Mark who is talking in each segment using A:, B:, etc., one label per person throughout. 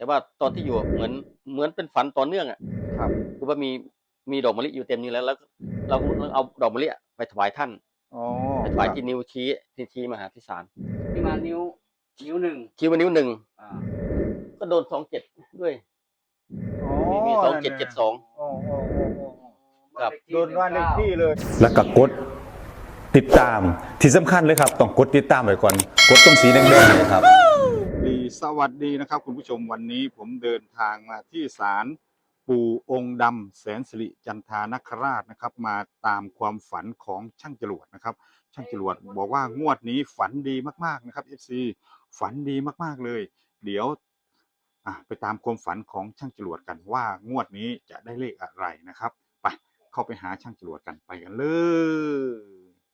A: ว่าตอนที่อยู่เหมือนเป็นฝันต่อเนื่องอ่ะ
B: ครับ
A: คือว่ามีดอกมะลิอยู่เต็มนี้แล้วเราก็เอาดอกมะลิไปถวายท่าน
B: อ๋อ
A: ไปถวายที่นิ้วชี้มาหาที่ศาล
C: ที่มานิ้วหนึ่ง
A: ชี้ว่านิ้วหนึ่ง
C: อ่า
A: ก็โดน27ด้วย
B: อ๋อ
A: มี
B: นั่นน่ะ
A: 2772
B: โอ้
A: ครับ
B: โดนบ้านเลขที่เลย
D: แล้วก็กดติดตามที่สำคัญเลยครับต้องกดติดตามไว้ก่อนกดตรงสีแดงๆเลยครับ
B: สวัสดีนะครับคุณผู้ชมวันนี้ผมเดินทางมาที่ศาลปู่องค์ดำแสนสิริจันทานคราชนะครับมาตามความฝันของช่างจรวดนะครับช่างจรวดบอกว่างวดนี้ฝันดีมากๆนะครับ FC ฝันดีมากๆเลยเดี๋ยวไปตามความฝันของช่างจรวดกันว่างวดนี้จะได้เลขอะไรนะครับไปเข้าไปหาช่างจรวดกันไปกันเลย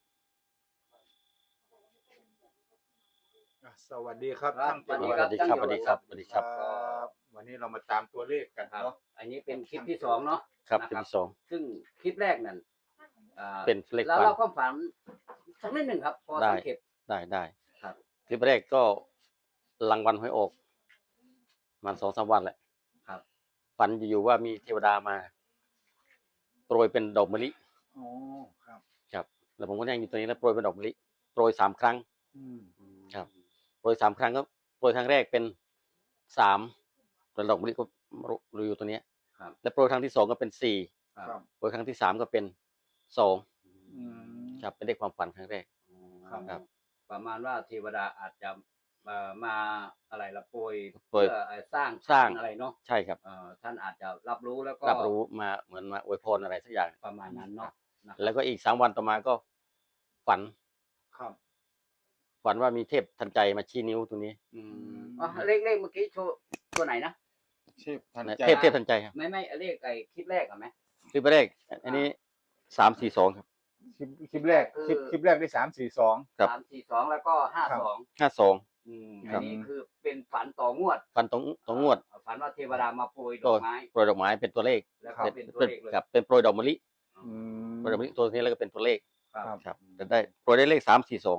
B: สวัสดีครับช่างจรวด
A: สวัสดีครับสวัสดีครับสวัสดีครับ
B: วันนี้เรามาตามตัวเลขกัน
C: ครับ
B: เนาะ
C: อันนี้เป็นคลิปที่2เนาะ
A: ครับ
C: นะ
A: คลิปที่สอง
C: ซึ่งคลิปแรกนั่น
A: เป็นเลข
C: แล้ว
A: ฝัน
C: เราความฝันสักนิดหนึ่งครับ พอ
A: ได้
C: สังเกต
A: ได้
C: ครับ
A: คลิปแรกก็รางวัลหวยออกมัน2-3 วันแหละ
C: ครับ
A: ฝันอยู่ว่ามีเทวดามาโปรยเป็นดอกมะลิ
B: อ๋อครับ
A: ครับแล้วผมก็นั่งอยู่ตรงนี้แล้วโปรยเป็นดอกมะลิโปรย3 ครั้ง
B: อืม
A: ครับ โปรย3 ครั้งก็โปรยครั้งแรกเป็น3แล้วดอกมะลิก็อยู่ตัวเนี้ย
C: ครับ
A: แล้วโปรยครั้งที่2ก็เป็น4
C: ครับ
B: ครับ
A: โปรยครั้งที่3ก็เป็น2
B: อืม
A: ครับเป็นเลขความฝันครั้งแรก ครับ
C: ประมาณว่าเทวดาอาจจะมาอะไรละโปรย
A: โปรย
C: เพื่อสร้าง
A: สร้าง
C: อะไรเนาะ
A: ใช่ครับ
C: ท่านอาจจะรับรู้แล้วก็
A: รับรู้มาเหมือนมาอวยพรอะไรสักอย่าง
C: ประมาณนั้นเนาะนะครับ
A: แล้วก็อีก3 วันต่อมาก็ฝัน
B: ครับ
A: ฝันว่ามีเทพทันใจมาชี้นิ้วตรงนี้
C: เลขเมื่อกี้โชว์ตัวไหนนะ
B: เทพทันใจ
A: เทพทันใจครับ
C: ไม่เลขคลิปแรกอะไหม
A: คลิปแรกอันนี้342ครับ
B: คลิปแรกคลิปแรกได้342
A: ครับ
C: 342แล้วก็52
A: 52
C: อันนี้คือเป็นฝันต่องวด
A: ฝันตรงงวด
C: ฝันว่าเทวดามาโปรยดอกไม้
A: โปรยดอกไม้เป็นตัวเลข
C: แล้วก็เป็นตัวเลขเลย
A: ครับเป็นโปรยดอกมะลิ
B: อืม
A: โปรยดอกมะลิตัวนี้แล้วก็เป็นตัวเลข
C: ครับ
A: ครับแต่ได้โปรยได้เลข342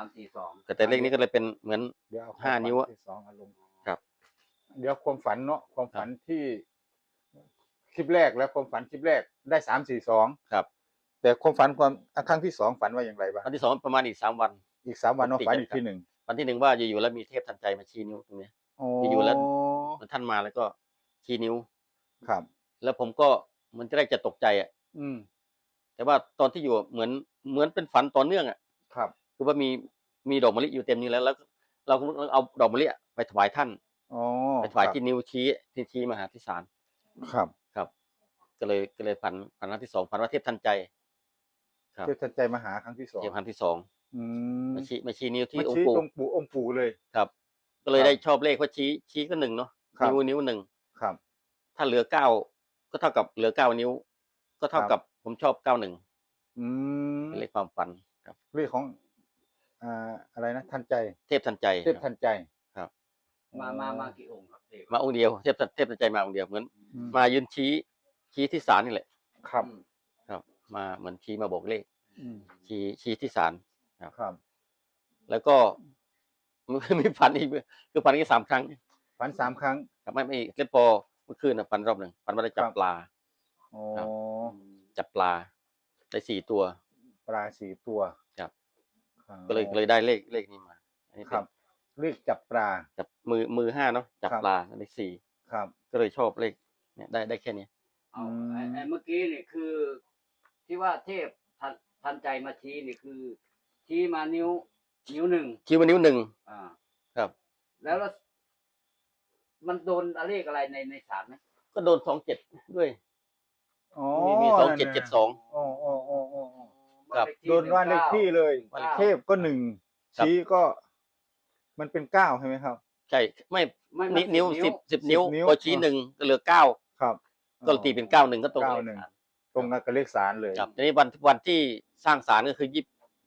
C: 342
A: แต่เลขนี้ก็เลยเป็นเหมือน
B: เดี๋ยวเอ
A: 5 นิ้วอะ
B: ที่สองอารมณ์
A: ครับ
B: เดี๋ยวความฝันเนาะความฝันที่คลิปแรกแล้วความฝันคลิปแรกได้342
A: ครับ
B: แต่ความฝันครั้งที่สองฝันว่าอย่างไรบ้าง
A: วันที่2ประมาณอีก3 วัน
B: อีก3 วันเนาะ
A: ติด
B: ฝัน
A: กัน
B: อีกทีหนึ่ง
A: วันที่1ว่าอยู่ๆแล้วมีเทพทันใจมาชี้นิ้วตรงนี้
B: โอ้
A: อยู่แล้ว ท่านมาแล้วก็ชี้นิ้ว
B: ครับ
A: แล้วผมก็มันจะได้จะตกใจอ่ะ
B: อืม
A: แต่ว่าตอนที่อยู่เหมือนเป็นฝันต่อเนื่องอ่ะ
B: ครับ
A: คือว่ามีดอกมะลิอยู่เต็มนี้แล้วเราก็เอาดอกมะลิไปถวายท่าน
B: อ๋อ
A: ไปถวาย
B: ครับ
A: ที่นิ้วชี้มาหาที่ศาล
B: ครับ
A: ครับ ก็เลยฝันครั้งที่ 2ฝันว่าเทพทันใจ ครับ
B: เทพทันใจมาหาครั้งที่สอง
A: เทพครั้งที่ 2
B: อืม
A: มาชี้นิ้วที่
B: มา
A: อง
B: ชี้
A: ค์ปู่
B: ตรงองค์ปู่เลย
A: ครับ ก็เลย
B: ครับ
A: ได้ชอบเลขว่าชี้ก็1เนาะ
B: ครับ
A: นิ้วหนึ่ง
B: ครับ
A: ถ้าเหลือ9ก็เท่ากับเหลือ9 นิ้ว ก็เท่ากับผมชอบ91
B: อืม
A: เป็นเลขความฝันครับ
B: เรื่องของอะไรนะทันใจ
A: เทพทันใจ
B: เทพทันใจ
A: ครับ
C: มากี่องค์ครับเทพ
A: มาองค์เดียวเทพทันใจมาองค์เดียวเหมือน
B: อืม
A: มายืนชี้ที่ศาลนี่แหละ
B: ครับ
A: ครับ มาเหมือนชี้มาบอกเลข
B: อืม
A: ชี้ที่ศาล
B: ครับ
A: แล้วก็มันมีฝันอีกคือฝันแค่3 ครั้ง
B: ฝัน3 ครั้ง
A: ครับไม่เล่นพอเมื่อคืนฝันรอบหนึ่งฝันว่าได้จั
B: ครับ บ
A: ปลา
B: อ๋อ
A: ครับ จับปลาได้4 ตัว
B: ปลา4 ตัว
A: ครับ
B: ครับ
A: ก็เลยได้เลขนี้มาอันนี้
B: ครับเรียกจับปลา
A: จับมือ5เนาะจับ
B: ครับ
A: ปลาได้4
B: ครับ
A: ก็เลยชอบเลขเนี่ยได้แค่นี้
C: เอาไอ้เมื่อกี้นี่คือ ที่ว่าเทพทันใจมาชี้นี่คือ ชี้มานิ้วหนึ่ง
A: คิดว่านิ้ว 1
C: อ่า
A: ครับ
C: แล้วมันโดนเลขอะไรในศาลไหม
A: ก็โดน27ด้วย
B: อ๋อ
A: มี
B: นั่นน่ะ
A: 2772
B: อ๋อ
A: ครับ
B: โดนบ้านเลขที่เลย
A: บ้านเลขที่
B: เทพก็1
A: ครับ
B: ชี้ก็มันเป็น9ใช่ไหมครับ
A: ใช่ไม่
C: ไม่
A: นิ้ว
C: 10
A: 10 นิ้ว
B: 10 นิ้ว
A: พอชี้1ก็เหลือ9
B: ครับ
A: ก็ตีเป็น91ก็ตรงกับเลข
B: 91
A: ศาล
B: ตรงกับเลขศาลเลย
A: ครับทีนี้วันที่สร้างศาลก็คือ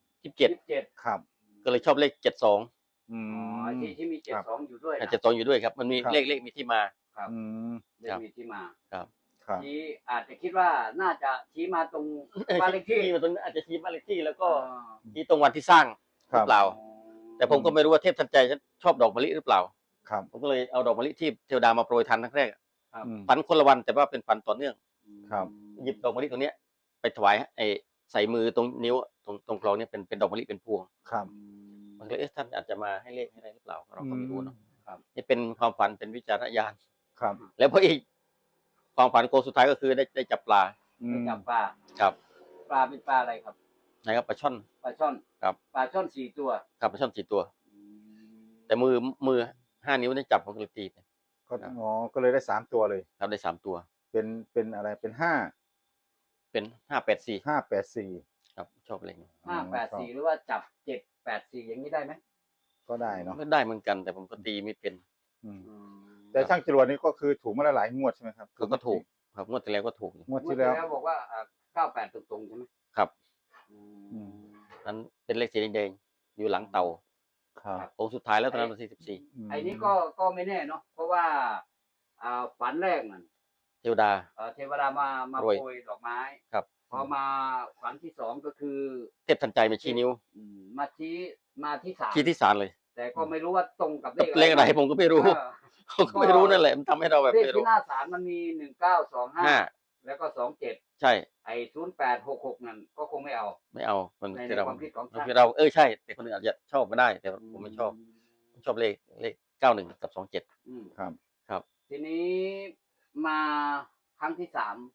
A: 27
B: ครับ
A: ก็เลยชอบเลข72
B: อื
C: อ๋อ
B: ม
C: ที่มี72อยู่ด้วยนะ
A: 72อยู่ด้วยครับ มันมี
B: ครับ
A: เลขมีที่มา
C: ครับ
B: อืม
C: เลขมีที่มา
A: ครับ
B: ครับ
C: ชี้อาจจะคิดว่าน่าจะชี้มาตรงบ้านเลขที่
A: มาตรงนั้นอาจจะชี้บ้านเลขที่แล้วก็
C: อ่า
A: ชี้ตรงวันที่สร้างห
B: ครั
A: รื
B: บ
A: อเปล่า แต่ผมก็ไม่รู้ว่าเทพทันใจชอบดอกมะลิหรือเปล่า
B: ครับ
A: ผมก็เลยเอาดอกมะลิที่เทวดามาโปรยทันครั้งแรก
C: ครับ
B: อืม
A: ฝันคนละวันแต่ว่าเป็นฝันต่อเนื่อง
B: ครับ
A: หยิบดอกมะลิตรงเนี้ยไปถวายใส่มือตรงนิ้วตรงคลองเนี่ยเป็นดอกมะลิเป็นพวง
B: ครับ
A: มันก็เลยท่านอาจจะมาให้เลขให้อะไรหรือเปล่าเราก็ไม่รู้เนาะ
C: ครับ
A: นี่เป็นความฝันเป็นวิจารณญาณ
B: ครับ
A: แล้วพออีกความฝันโกสุดท้ายก็คือได้จับปลา
B: อื
C: ไป
B: ม
C: จับปลา
A: ครับ
C: ปลาเป็นปลาอะไรครับ
A: นะครับปลาช่อน
C: ปลาช่อน
A: ครับ
C: ปลาช่อน4 ตัว
A: ครับปลาช่อน4 ตัว แต่มือ5 นิ้วได้จับผมก็เลยตีไป
B: ก็อ๋อก็เลยได้3 ตัวเลย
A: ครับได้3 ตัว
B: เป็นอะไรเป็น
A: เป็น584
B: 584
A: ครับชอบเลขนี้
C: 584 หรือว่าจับ784 อย่างนี้ได้ไหม
B: ก็ได้เนาะ
A: ก็ได้เหมือนกัน แต่ผมก็ตีไม่เป็น
B: อืมแต่ช่างจรวดนี่ก็คือถูกมาหลายงวดใช่ไหมครับ
A: ก็ถูกครับงวดที่แล้วก็ถูกอยู่
B: งวด
C: เมื่อ
B: ที่
C: ที่
B: แล้ว
C: แล้วบอกว่า98ตรงๆใช่ไหม
A: ครับ
C: อื
B: อื
C: ม
B: ม
A: นั้นเป็นเลขสีแดงๆอยู่หลังเตา
B: ครับ
A: โค้งสุดท้ายแล้วตอนนั้นวันที่14
C: ไอ้นี้ก็ไม่แน่เนาะเพราะว่าฝันแรกนั่น
A: เทวดา
C: เทวดามา
A: โปรย
C: โปรยดอกไม้
A: ครับ
C: พอมาฝันที่2ก็คือ
A: เทพทันใจมาชี้นิ้ว
C: มาที่3
A: ชี้ที่ศาลเลย
C: แต่ก็ไม่รู้ว่าตรงกับ
A: เลขอะไรผมก็ไม่รู้ ผมก็ไม่รู้นั่นแหละมันทำให้เราแบบ
C: เลข
A: ไม่รู้
C: ที่หน้าศาลมันมี1925
A: 5
C: แล้วก็27
A: ใช่
C: ไอ้0866นั่นก็คงไม่เอา
A: ไม่เอามัน
C: ใน
A: คือเรา
C: ความคิดของท่าน
A: คือเราใช่แต่คนอื่นอาจจะชอบไม่ได้ แต่ผมไม่ชอบผมชอบเลข91กับ27
C: อืม
B: ครับ
A: ครับ
C: ทีนี้มาครั้งที่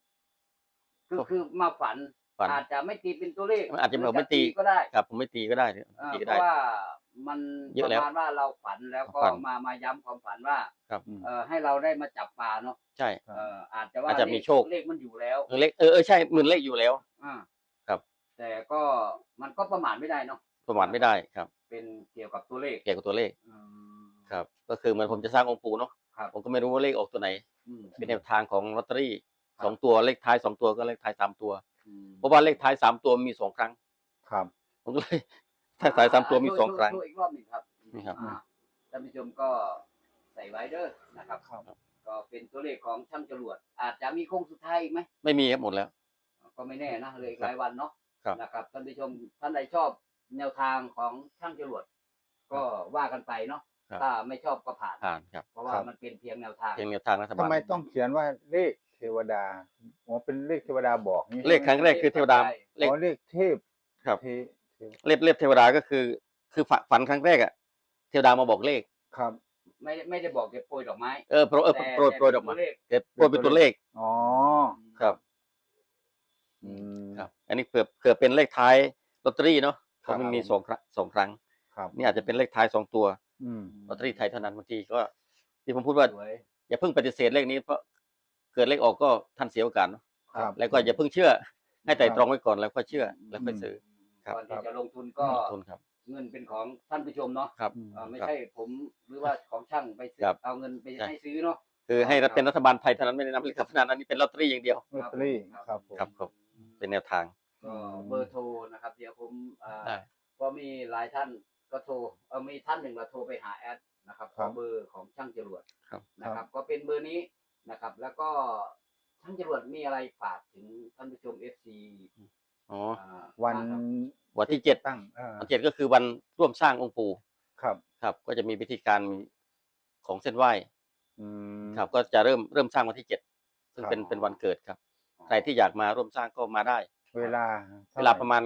C: 3ก็คือมาฝัน
A: ฝัน
C: อาจจะไม่ตีเป็นตัวเลข
A: อาจจะแบบไม่ตี
C: ก็ได้
A: ครับผมไม่ตีก็ได้ตี
C: เพ
A: ก็ได้
C: ราะว่ามัน
A: เย
C: ป
A: อะ
C: ระ
A: แล้ว
C: มาณว่าเราฝันแล้วก็
A: ฝัน
C: มาย้ำความฝันว่า
A: ครับ
B: อืม
C: ให้เราได้มาจับปลาเนาะ
A: ใช่
B: ครับ
C: อาจจะว่า
A: อาจจะมีโชค
C: เลขมันอยู่แล้ว
A: เลขใช่หมื่นเลขอยู่แล้ว
C: อ่า
A: ครับ
C: แต่ก็มันก็ประมาทไม่ได้เนาะ
A: ประมาทไม่ได้ครับ
C: เป็นเกี่ยวกับตัวเลข
A: เกี่ยวกับตัวเลข
C: อืม
A: ครับ ก็คือเหมือนผมจะสร้างองค์ปู่เนาะ
C: ครับ
A: ผมก็ไม่รู้ว่าเลขออกตัวไหน
C: อืม
A: เป็นแนวทางของลอตเตอรี่
C: ครับ
A: 2 ตัวเลขท้าย2 ตัวก็เลขท้าย3 ตัว
C: อืม
A: เพราะว่าเลขท้าย3 ตัวมี2 ครั้ง
B: ครับ
A: ผมก็เลย ถ้าสาย3 ตัวมี2 ครั้ง
C: โชว์อีกรอบหนึ่งครับ
A: นี่ครับ
C: ท่านผู้ชมก็ใส่ไว้เด้อนะครับ
B: ครับ
C: ก็เป็นตัวเลขของช่างจรวด อาจจะมีโค้งสุดท้ายอีกไหม
A: ไม่มีครับหมดแล้ว
C: ก็ไม่แน่นะเหลยอีกหลายวันเนาะ
A: ครับ
C: นะครับท่านผู้ชมท่านใดชอบแนวทางของช่างจรวด ก็ว่ากันไปเนาะ
A: ครับ
C: ถ้าไม่ชอบก็ผ่าน
A: ผ่านครับ
C: เพราะว่า
B: ครับ
C: มันเป็นเพียงแนวทาง
A: เพียงแนวทางรัฐบา
B: ทำ
A: ล
B: ไมต้องเขียนว่าเลขเทวดาอ๋อเป็นเลขเทวดาบอกนี่
A: เลขครั้งแรกคือเทวดาเลข
B: อ๋อเลขเทพ
A: ครับ
B: เทเท
A: เลขเทวดาก็คือฝันครั้งแรกอะเทวดามาบอกเลข
B: ครับ
C: ไม่ได้บอกเก็บโปรยดอกไม้
A: โปรย
C: แต่
A: โปรยดอกมา
C: แต่เป็นตัวเลข
A: โปรยเป็นตัวเลข
B: อ๋อ
A: ครับ
B: อืม
A: ครับ อันนี้เผื่อเป็นเลขท้ายลอตเตอรี่เนาะ
B: ค
A: เพ
B: รับ
A: ราะมันมี2 ครั้ง
B: ครับ
A: นี่อาจจะเป็นเลขท้าย2 ตัว
B: อืม
A: ลอตเตอรี่ไทยเท่านั้นบางทีก็ที่ผมพูดว่า
C: สวย
A: อย่าเพิ่งปฏิเสธเลขนี้เพราะเกิดเลขออกก็ท่านเสียโอกาสเนาะ
B: ครับ
A: แล้วก็อย่าเพิ่งเชื่อ ให้ไต่ตรองไว้ก่อนแล้วก็เชื่อแล้วค่อยซื้อ ครับ
C: ก่อนที่จะลงทุนก็
A: ลงทุนครับ
C: เงินเป็นของท่านผู้ชมเนาะ
A: ครับ
C: ไม่
A: ครับ
C: ใช่ผมหรือว่าของช่างไปซื้อ
A: ครับ
C: เอาเงินไป
A: ใช่
C: ให้ซื้อเนาะ
A: คือให้
C: ครับ
A: เป็นรัฐบาลไทยเท่านั้นไม่ได้นับเลขพนันอันนี้เป็นลอตเตอรี่อย่างเดียว
B: ลอตเตอรี่ครับผม
A: ครับเป็นแนวทาง
C: ก็เบอร์โทรนะครับ เดี๋ยวผม
A: ได้
C: ก็มีหลายท่านก็โทรมีท่านหนึ่งเราโทรไปหาแอดนะครับขอเบอร์ของช่างจรวด
A: ครับ
C: นะครับ ก็เป็นเบอร์นี้นะครับ แล้วก็ช่างจรวดมีอะไรฝากถึงท่านผู้ชม FC
A: อ๋อ
B: วัน
A: วันที่ 7
B: ตั้ง
A: วัน7ก็คือวันร่วมสร้างองค์ปู่
B: ครับ
A: ครับ ก็จะมีพิธีการของเส้นไหว้
B: อืม
A: ครับ ก็จะเริ่มสร้างวันที่ 7 ซึ่ง
B: ครับ
A: เป็นวันเกิดครับ ใครที่อยากมาร่วมสร้างก็มาได้
B: เวลา
A: เวลาประมาณ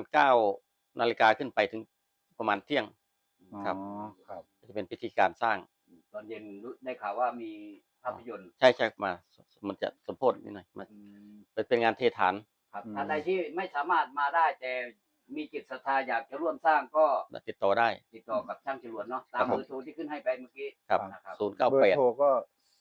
A: 9 นาฬิกาขึ้นไปถึงประมาณเที่ยง ครับ
B: อ๋อครับ
A: จะเป็นพิธีการสร้าง
C: ตอนเย็นได้ข่าวว่ามีภาพยนตร์
A: ใช่มามันจะสมโพธินิดหน่อยมันเป็นงานเทฐาน
C: ครับ
B: อืม
C: ท่านใดที่ไม่สามารถมาได้แต่มีจิตศรัทธาอยากจะร่วมสร้างก็
A: ติดต่อได้
C: ติดต่อกับช่างจรวดเนาะตา
A: ครั
C: ม
A: บผม
C: เบอร์โทรที่ขึ้นให้ไปเมื่อกี้
A: ครับ
C: นะครับ
A: 0 9
B: เบอร์โทร
A: 8
B: ก็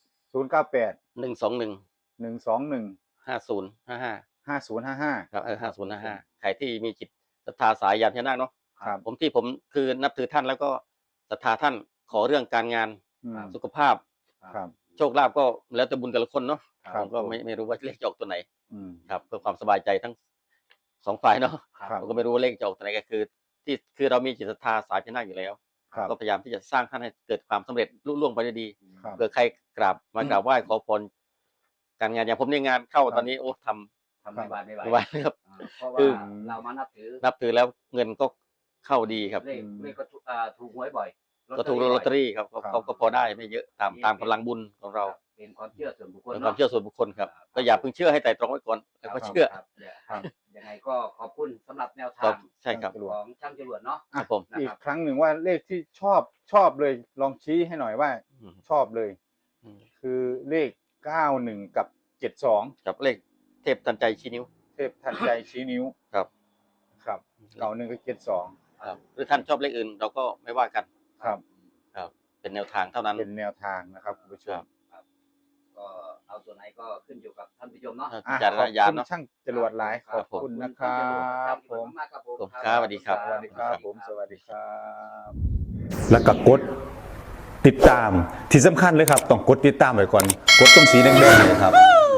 B: 098
A: 121
B: 121
A: 5055
B: 5055
A: ครับ5055ใครที่มีจิตศรัทธาสายยานพญานาคเนาะ
B: ครับ
A: ผมคือนับถือท่านแล้วก็ศรัทธาท่านขอเรื่องการงาน
B: อืม
A: สุขภาพ
B: ครับ
A: โชคลาภก็แล้วแต่บุญแต่ละคนเนาะ
B: ครับ
A: ผมก็ไม่รู้ว่าเลขจะออกตัวไหน
B: อืม
A: ครับ เพื่อความสบายใจทั้ง2 ฝ่ายเนาะ
B: ครับ
A: ผมก็ไม่รู้ว่าเลขจะออกตัวไหนก็คือเรามีจิตศรัทธาสายพญานาคอยู่แล้ว
B: ครับ
A: ก็พยายามที่จะสร้างท่านให้เกิดความสำเร็จลุล่วงไปด้วยดี
B: ครับ
A: เผื่อใครกราบไหว้ขอพรการงานอย่างผมในยงานเข้า
B: ครับ
A: ตอนนี้โอ้ท
C: ทำไม่ไหวไม่ไหว
A: ำไม่ไหวครับ
C: เพราะ
A: คื
C: ว่า
A: อ
C: เรามานับถือ
A: นับถือแล้วเงินก็เข้าดีครับ
C: เลขก็ถูกหวยบ่อย
A: ก็ถูกลอตเตอรี่ครับก็พอได้ไม่เยอะตามกำลังบุญของเรา
C: เป็นความเชื่อส่วนบุคคล
A: เป็น
C: เนาะ
A: ความเชื่อส่วนบุคคลครับก็อย่าเพิ่งเชื่อให้ไต่ตรองไว้ก่อนแล้วก็เชื่อ
C: ครับ
B: ครับ
C: ยังไงก็ขอบคุณสำหรับแนว
A: ครั
C: ทา
A: บ
C: ง
A: ใช่ครับ
C: ของช่างจรวดเนาะ
A: ครับผม
B: อีกครั้งหนึ่งว่าเลขที่ชอบเลยลองชี้ให้หน่อยว่า
A: อืม
B: ชอบเลย
A: อืม
B: คือเลข91กับ72
A: กับเลขเทพทันใจชี้นิ้ว
B: เทพทันใจชี้นิ้ว
A: ครับ
B: ครับ91กับ72
A: ครับหรือท่านชอบเลขอื่นเราก็ไม่ว่ากัน
B: ครับ
A: ครับเป็นแนวทางเท่านั้น
B: เป็นแนวทางนะครับคุณผู้ชม
C: ก็เอาตัวไหนก็ขึ้นอยู่กับท่านผู้ชมเนาะ
B: อ่ะ
A: จาร
B: ข
A: ณ
B: อบ
A: ญาณ
B: คุณ
A: เนาะ
B: ช่างจรวดหลายขอบคุณนะครับผม
C: มากครับผม
A: ครับสวัสดีครับ
B: สวัสดีครับผมสวัสดีครับ
D: แล้วก็กดติดตามที่สำคัญเลยครับต้องกดติดตามไว้ก่อนกดตรงสีแดงๆเนยครับ